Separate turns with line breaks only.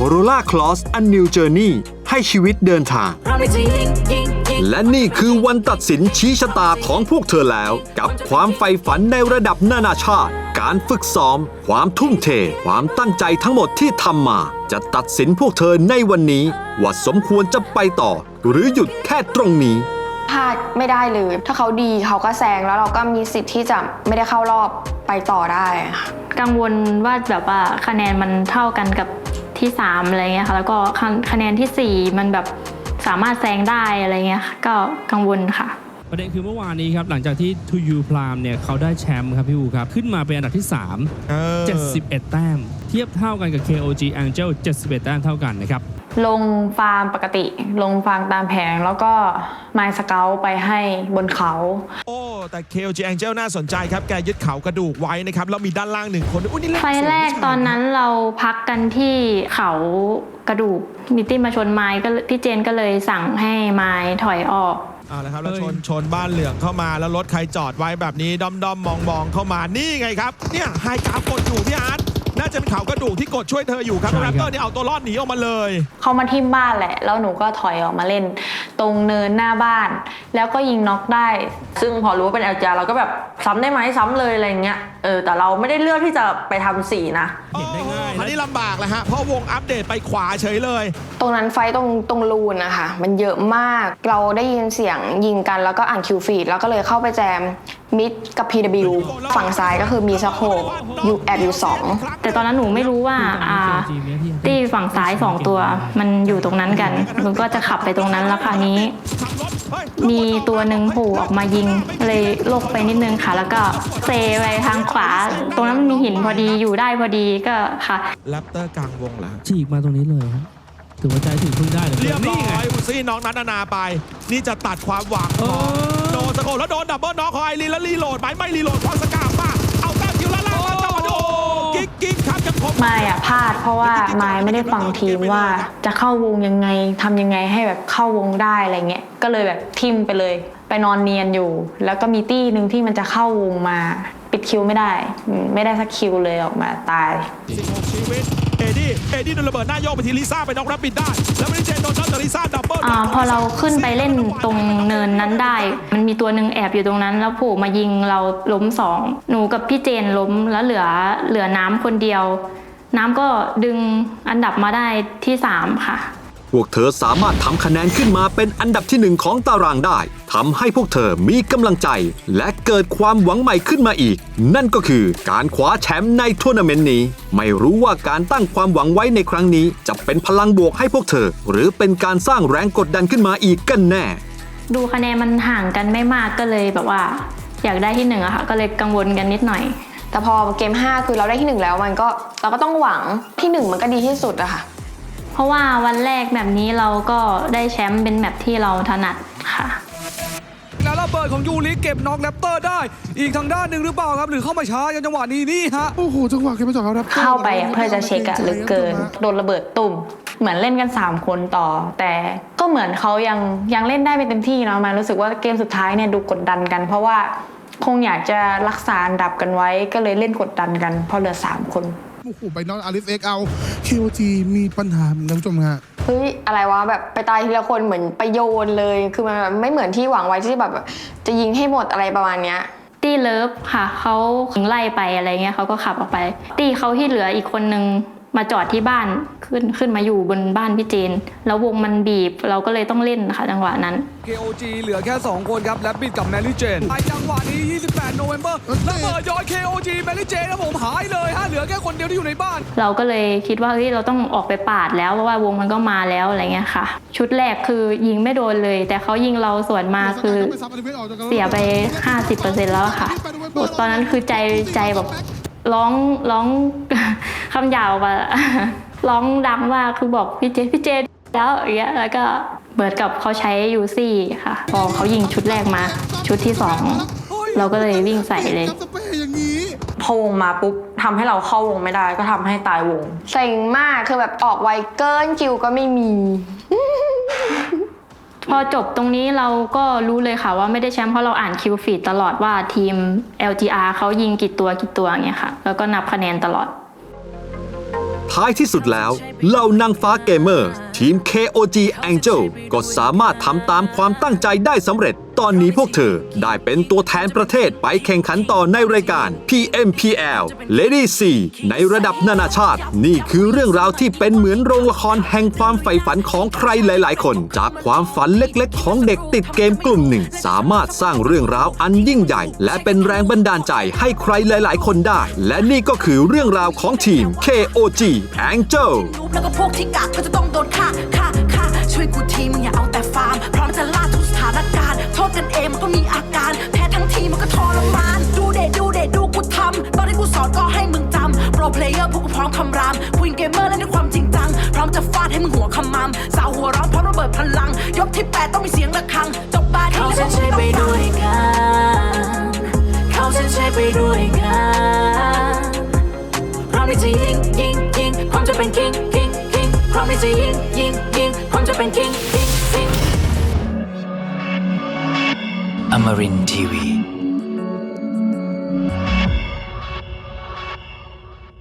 Corolla Cross A New Journey ให้ชีวิตเดินทางและนี่คือวันตัดสินชี้ชะตาของพวกเธอแล้วกับความใฝ่ฝันในระดับนานาชาติการฝึกซ้อมความทุ่มเทความตั้งใจทั้งหมดที่ทำมาจะตัดสินพวกเธอในวันนี้ว่าสมควรจะไปต่อหรือหยุดแค่ตรงนี้
พลาดไม่ได้เลยถ้าเขาดีเขาก็แซงแล้วเราก็มีสิทธิ์ที่จะไม่ได้เข้ารอบไปต่อได้
กังวลว่าแบบว่าคะแนนมันเท่ากันกับที่3อะไรเงี้ยค่ะแล้วก็คะแนนที่4มันแบบสามารถแซงได้อะไรเงี้ยก็กังวลค่ะ
ประเด็นคือเมื่อวานนี้ครับหลังจากที่ To You Prime เนี่ยเขาได้แชมป์ครับพี่อูครับขึ้นมาเป็นอันดับที่3 71 แต้มเทียบเท่ากันกับ KOG Angel 71 แต้มเท่ากันนะครับ
ลงฟาร์มปกติลงฟาร์มตามแผงแล้วก็ไมล์สเกลไปให้บนเขา
โอ้แต่ KOG Angel น่าสนใจครับแกยึดเขากระดูกไว้นะครับแล้วมีด้านล่าง1คนอุ้ยนี่
ไฟแรกตอนนั้นเราพักกันที่เขากระดูกมิตตี้มาชนไม้ก็พี่เจนก็เลยสั่งให้ไม้ถอยออก
แล้วครับแล้วชนบ้านเหลืองเข้ามาแล้วรถใครจอดไว้แบบนี้ด้อมมองเข้ามานี่ไงครับเนี่ยไฮกราฟกดอยู่พี่อาร์ตน่าจะเป็นเขากระดูกที่กดช่วยเธออยู่ครับแรปเตอร์นี่เอาตัวรอดหนีออกมาเลย
เขามาทิ่มบ้านแหละแล้วหนูก็ถอยออกมาเล่นตรงเนินหน้าบ้านแล้วก็ยิงน็อกได้
ซึ่งพอรู้ว่าเป็น LGR เราก็แบบซ้ำได้ไหมซ้ำเลยอะไรเงี้ยแต่เราไม่ได้เลือกที่จะไปทำสีนะ
เห็นได้ง่ายอันนี้ลำบากเลยฮะเพราะวงอัปเดตไปขวาเฉยเลย
ตรงนั้นไฟตรงรูนนะคะมันเยอะมากเราได้ยินเสียงยิงกันแล้วก็อ่านคิวฟีดแล้วก็เลยเข้าไปแจมมิดกับ PW ฝั่งซ้ายก็คือมีสโคปอยู่แอบอยู่2
แต่ตอนนั้นหนูไม่รู้ว่าที่ฝั่งซ้าย2ตัวมันอยู่ตรงนั้นกันหนูก็จะขับไปตรงนั้นแล้วคราวนี้มีตัวหนึ่งโผล่ออกมายิงเลยลกไปนิดนึงค่ะแล้วก็เซไปทางขวาตรงนั้นมีหินพอดีอยู่ได้พอดีก็ค่ะ
แรปเตอร์กลางวงแล้ว
ฉีกมาตรงนี้เลยถือว่าใจถึงพึ่งได้เลย
เรียบร้อยอุซี่น้องนัทนาไปนี่จะตัดความหวังโดนสโคแล้วโดนดับเบิลน็อกของไอรีนแล้วรีโหลดไม่รีโหลดพอสกาป้าเอาแต้มคิวแล้วล่ามาต่อโอ้กิ๊กครับจะครบ
ไม่พลาดเพราะว่าไม่ได้ฟังทีมว่าจะเข้าวงยังไงทำยังไงให้แบบเข้าวงได้อะไรเงี้ยก็เลยแบบทิมไปเลยไปนอนเนียนอยู่แล้วก็มีตี้นึงที่มันจะเข้าวงมาปิดคิวไม่ได้สักคิวเลยออกมาตาย
16ชีวิตเอ็ดดี้โดนระเบิดหน้าโยกไปทีลิซ่าไปน็อกรับปิดได้แล้วไม่ได้เจนโดนน็อกแต่ลิซ่าดับเบิล
พอเราขึ้นไปเล่นตรงเนินนั้นได้มันมีตัวหนึ่งแอบอยู่ตรงนั้นแล้วโผล่มายิงเราล้ม2หนูกับพี่เจนล้มแล้วเหลือน้ำคนเดียวน้ำก็ดึงอันดับมาได้ที่3ค่ะ
พวกเธอสามารถทำคะแนนขึ้นมาเป็นอันดับที่1ของตารางได้ทำให้พวกเธอมีกำลังใจและเกิดความหวังใหม่ขึ้นมาอีกนั่นก็คือการคว้าแชมป์ในทัวร์นาเมนต์นี้ไม่รู้ว่าการตั้งความหวังไว้ในครั้งนี้จะเป็นพลังบวกให้พวกเธอหรือเป็นการสร้างแรงกดดันขึ้นมาอีกกันแน่
ดูคะแนนมันห่างกันไม่มากก็เลยแบบว่าอยากได้ที่1อะค่ะก็เลยกังวลกันนิดหน่อย
แต่พอเกม5คือเราได้ที่1แล้วเราก็ต้องหวังที่1มันก็ดีที่สุดอะค่ะ
เพราะว่าวันแรกแบบนี้เราก็ได้แชมป์เป็นแบบที่เราถนัดค่ะ
แล้วระเบิดของยูริเก็บน็อกแรปเตอร์ได้อีกทางด้านหนึ่งหรือเปล่าครับหรือเข้ามาช้าจังหวะนี้นี่ฮะ
โอ้โหจังหวะเก็บมาจากเขา
เข้าไปเพื่อจะเช็คอะหรือเกินโดนระเบิดตุ่มเหมือนเล่นกัน3คนต่อแต่ก็เหมือนเขายังเล่นได้ไม่เต็มที่เนาะมันรู้สึกว่าเกมสุดท้ายเนี่ยดูกดดันกันเพราะว่าคงอยากจะรักษาอันดับกันไว้ก็เลยเล่นกดดันกันเพราะเหลือ3คน
โอ้โหไปนอนอาริสเอ็กเอา KOG มีปัญหาท่านผู้ชมฮะ
เฮ้ยอะไรวะแบบไปตายทีละคนเหมือนไปโยนเลยคือมันไม่เหมือนที่หวังไว้ที่แบบจะยิงให้หมดอะไรประมาณเนี้ย
ตี้เลิฟค่ะเขาไล่ไปอะไรเงี้ยเขาก็ขับออกไปตี้เขาที่เหลืออีกคนนึงมาจอดที่บ้านขึ้นมาอยู่บนบ้านพี่เจนแล้ววงมันบีบเราก็เลยต้องเล่นค่ะจังหวะนั้น
KOG เหลือแค่2คนครับแรปปิดกับแมรี่เจนจังหวะนี้28 โนเวมเบอร์ระเบิดย้อย KOG แมรี่เจนแล้วผมหายเลยฮะเหลือแค่คนเดียวที่อยู่ในบ้าน
เราก็เลยคิดว่าเฮ้ยเราต้องออกไปปาดแล้วเพราะว่าวงมันก็มาแล้วอะไรเงี้ยค่ะชุดแรกคือยิงไม่โดนเลยแต่เขายิงเราสวนมาคือเสียไป 50% แล้วค่ะตอนนั้นคือใจแบบร้องคำหยาบมาร้องดังมากคือบอกพี่เจแล้วอย่างเงี้ยแล้วก็เบิร์ดกับเขาใช้ยูซี่ค่ะพอเขายิงชุดแรกมาชุดที่2เราก็เลยวิ่งใส่เลย
พอวงมาปุ๊บทำให้เราเข้าวงไม่ได้ก็ทำให้ตายวง
เซ็งมากคือแบบออกไวเกินคิวก็ไม่มี
พอจบตรงนี้เราก็รู้เลยค่ะว่าไม่ได้แชมป์เพราะเราอ่านคิวฟีดตลอดว่าทีม LGR เขายิงกี่ตัวอย่างเงี้ยค่ะแล้วก็นับคะแนนตลอด
ทท้ายที่สุดแล้วเหล่านางฟ้าเกมเมอร์ทีม KOG Angel ก็สามารถทำตามความตั้งใจได้สำเร็จตอนนี้พวกเธอได้เป็นตัวแทนประเทศไปแข่งขันต่อในรายการ PMPL Lady C ในระดับนานาชาตินี่คือเรื่องราวที่เป็นเหมือนโรงละครแห่งความใฝ่ฝันของใครหลายๆคนจากความฝันเล็กๆของเด็กติดเกมกลุ่มหนึ่งสามารถสร้างเรื่องราวอันยิ่งใหญ่และเป็นแรงบันดาลใจให้ใครหลายๆคนได้และนี่ก็คือเรื่องราวของทีม KOG Angel
แล้วก็พวกที่กากก็จะต้องโดนฆ่าช่วยกูทีมึงอย่าเอาแต่ฟาร์มพร้อมจะล่าทุกสถานการณ์โทษกันเองมันก็มีอาการแพ้ทั้งทีมันก็ทรมานดูกูทำตอนที่กูสอนก็ให้มึงจำโปรเพลเยอร์พวกกูพร้อมคำรามควีนเกมเมอร์เล่นด้วยความจริงจังพร้อมจะฟาดให้มึงหัวขมำสาวหัวร้อนพร้อมระเบิดพลังยกที่8ต้องมีเสียงระฆังจบบาร์ที่แล้วพวกกูต้องฟังเขาเส้นชัยไปด้วยกันพร้อมที่จะยิงพร้อมจะเป็นคิงพร้อมที่จะยิงพร้อมจะเป็นคิง
Amarin Tiwi